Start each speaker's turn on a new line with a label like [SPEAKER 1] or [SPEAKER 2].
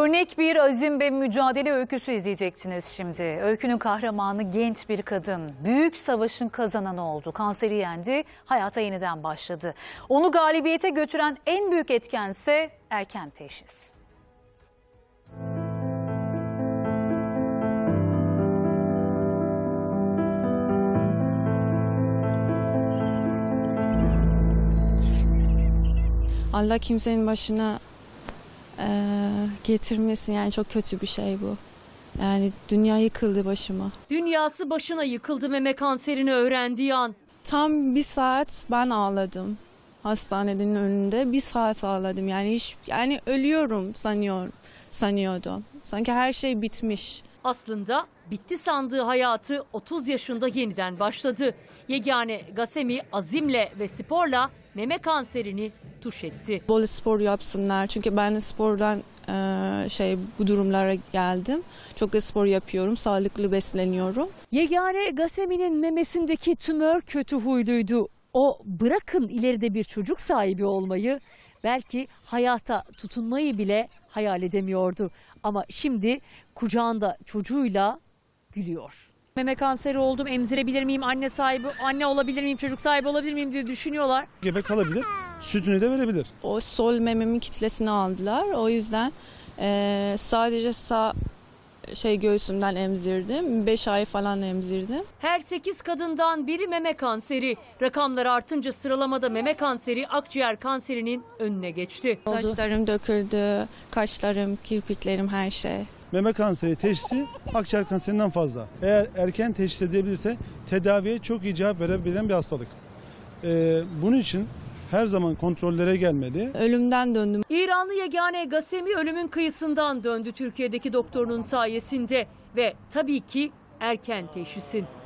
[SPEAKER 1] Örnek bir azim ve mücadele öyküsü izleyeceksiniz şimdi. Öykünün kahramanı genç bir kadın. Büyük savaşın kazananı oldu. Kanseri yendi, hayata yeniden başladı. Onu galibiyete götüren en büyük etkense erken teşhis.
[SPEAKER 2] Allah kimsenin başına getirmesin, yani çok kötü bir şey bu. Yani dünya yıkıldı başıma.
[SPEAKER 3] Dünyası başına yıkıldı Meme kanserini öğrendiği an.
[SPEAKER 2] Tam bir saat ben ağladım hastanenin önünde. Bir saat ağladım, yani ölüyorum sanıyordum. Sanki her şey bitmiş.
[SPEAKER 3] Aslında bitti sandığı hayatı 30 yaşında yeniden başladı. Yegane Gasemi azimle ve sporla meme kanserini tuş etti.
[SPEAKER 2] Bol spor yapsınlar, çünkü ben de spordan bu durumlara geldim. Çok da spor yapıyorum, sağlıklı besleniyorum.
[SPEAKER 3] Yegane Gasemi'nin memesindeki tümör kötü huyluydu. O bırakın ileride bir çocuk sahibi olmayı, belki hayata tutunmayı bile hayal edemiyordu. Ama şimdi kucağında çocuğuyla gülüyor. Meme kanseri oldum, emzirebilir miyim, anne olabilir miyim, çocuk sahibi olabilir miyim diye düşünüyorlar.
[SPEAKER 4] Gebe kalabilir, sütünü de verebilir.
[SPEAKER 2] O sol mememin kitlesini aldılar. O yüzden sadece sağ göğsümden emzirdim. 5 ay falan emzirdim.
[SPEAKER 3] Her 8 kadından biri meme kanseri. Rakamlar artınca sıralamada meme kanseri akciğer kanserinin önüne geçti.
[SPEAKER 2] Saçlarım döküldü, kaşlarım, kirpiklerim, her şey.
[SPEAKER 4] Meme kanseri teşhisi akciğer kanserinden fazla. Eğer erken teşhis edilebilirse tedaviye çok iyi cevap verebilen bir hastalık. Bunun için her zaman kontrollere gelmeli.
[SPEAKER 2] Ölümden döndüm.
[SPEAKER 3] İranlı yegane Gasemi ölümün kıyısından döndü Türkiye'deki doktorunun sayesinde ve tabii ki erken teşhisin.